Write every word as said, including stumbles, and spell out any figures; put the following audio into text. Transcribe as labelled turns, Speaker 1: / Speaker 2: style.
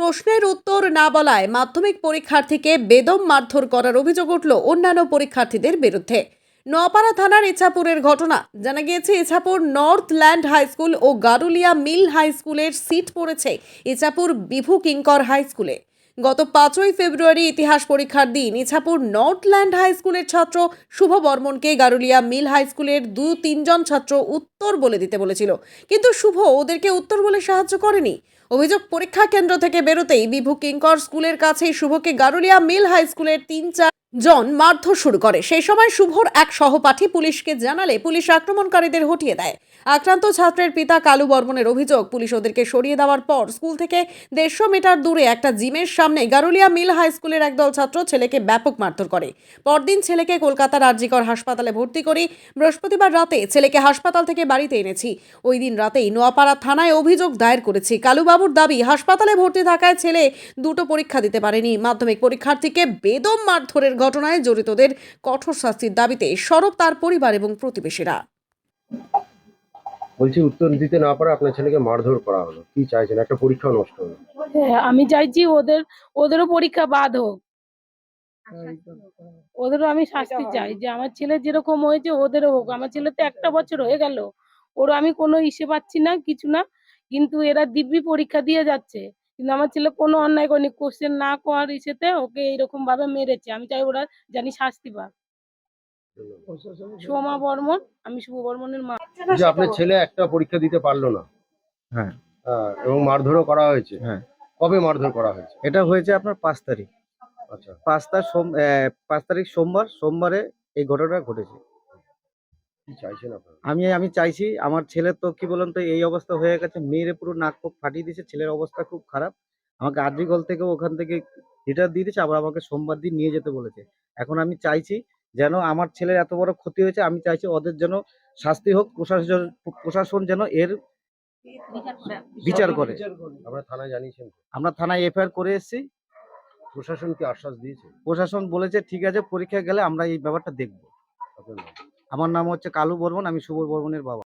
Speaker 1: প্রশ্নের উত্তর না বলায় মাধ্যমিক পরীক্ষার্থীকে বেদম মারধর করার অভিযোগ উঠল অন্যান্য পরীক্ষার্থীদের বিরুদ্ধে। নোয়াপাড়া থানার ইছাপুরের ঘটনা। জানা গিয়েছে Ichapur north land high school ও গারুলিয়া মিল হাই স্কুলের সিট পড়েছে ইছাপুর বিভু কিঙ্কর হাই স্কুলে। গত পাঁচই ফেব্রুয়ারি ইতিহাস পরীক্ষার দিন ইছাপুর নর্থ ল্যান্ড হাই স্কুলের ছাত্র শুভ বর্মনকে গারুলিয়া মিল হাই স্কুলের দু তিনজন ছাত্র উত্তর বলে দিতে বলেছিল, কিন্তু শুভ ওদেরকে উত্তর বলে সাহায্য করেনি। অভিযোগ, পরীক্ষা কেন্দ্র থেকে বেরোতেই বিভু কিঙ্কর স্কুলের কাছেই শুভকে গারুলিয়া মিল হাই স্কুলের তিন চার জন মারধর শুরু করে। সেই সময় শুভর এক সহপাঠী পুলিশকে জানালে পুলিশ আক্রমণকারীদের হটিয়ে দেয়। আক্রান্ত ছাত্রের পিতা কালু বর্মনের অভিযোগ, পুলিশ ওদেরকে সরিয়ে দেওয়ার পর স্কুল থেকে দেড়শো মিটার দূরে একটা জিমের সামনে গারুলিয়া মিল হাই স্কুলের একদল ছাত্র ছেলেকে ব্যাপক মারধর করে। পরদিন ছেলেকে কলকাতার আরজিকর হাসপাতালে ভর্তি করি। বৃহস্পতিবার রাতে ছেলেকে হাসপাতাল থেকে বাড়িতে এনেছি। ওই দিন রাতেই নোয়াপাড়া থানায় অভিযোগ দায়ের করেছি। কালুবাবুর দাবি, হাসপাতালে ভর্তি থাকায় ছেলে দুটো পরীক্ষা দিতে পারেনি। মাধ্যমিক পরীক্ষার্থীকে বেদম মারধরের ঘটনায় জড়িতদের কঠোর শাস্তির দাবিতে সরব তার পরিবার এবং প্রতিবেশীরা।
Speaker 2: বলছি, উত্তর দিতে না পারে আপনার ছেলেকে মারধর করা হলো, কি চাইছেন? একটা পরীক্ষা নষ্ট হলো।
Speaker 3: হ্যাঁ, আমি চাইছি ওদের ওদেরও পরীক্ষা বাদ হোক, ওদেরও আমি শাস্তি চাই, যে আমার ছেলে যেরকম হয়েছে ওদেরও হোক। আমার ছেলে তো একটা বছর হয়ে গেল, ওর আমি কোনো ইসে পাচ্ছি না, কিছু না, কিন্তু এরা দিব্যি পরীক্ষা দিয়ে যাচ্ছে, কিন্তু আমার ছেলে কোনো অন্যায় করেনি। কোশ্চেন না করার ইসেতে ওকে এইরকম ভাবে মেরেছে। আমি চাই ওরা জানি শাস্তি পাক। সোমা বর্মন, আমি শুভ বর্মনের মা।
Speaker 2: যে আপনার ছেলে একটা পরীক্ষা দিতে পারলো না,
Speaker 4: হ্যাঁ
Speaker 2: হ্যাঁ, এবং মারধরও করা হয়েছে।
Speaker 4: হ্যাঁ
Speaker 2: কবে মারধর করা হয়েছে?
Speaker 4: এটা হয়েছে আপনার পাঁচ তারিখ।
Speaker 2: আচ্ছা,
Speaker 4: পাঁচ তারিখ সোম আহ, পাঁচ তারিখ সোমবার সোমবারে এই ঘটনা ঘটেছে।
Speaker 2: কি চাইছেন আপনারা?
Speaker 4: আমি আমি চাইছি, আমার ছেলের তো কি বলেন তো এই অবস্থা হয়ে গেছে, মেয়েরে পুরো নাক মুখ ফাটিয়ে দিয়েছে, ছেলের অবস্থা খুব খারাপ। আমাকে আরজিকল থেকে ওখান থেকে রিটার দিয়ে দিয়েছে, আবার আমাকে সোমবার দিন নিয়ে যেতে বলেছে। এখন আমি চাইছি যেন আমার ছেলের এত বড় ক্ষতি হয়েছে, আমি চাইছি ওদের যেন শাস্তি হোক, প্রশাসন প্রশাসন যেন এর বিচার করে।
Speaker 2: আপনারা থানায় জানিয়েছেন?
Speaker 4: আমরা থানায় এফআইআর করে এসেছি।
Speaker 2: প্রশাসন কি আশ্বাস দিয়েছে?
Speaker 4: প্রশাসন বলেছে ঠিক আছে, পরীক্ষা গেলে আমরা এই ব্যাপারটা দেখব।
Speaker 2: আপনার নাম?
Speaker 4: আমার নাম হচ্ছে কালু বর্মন, আমি শুভ বর্মনের বাবা।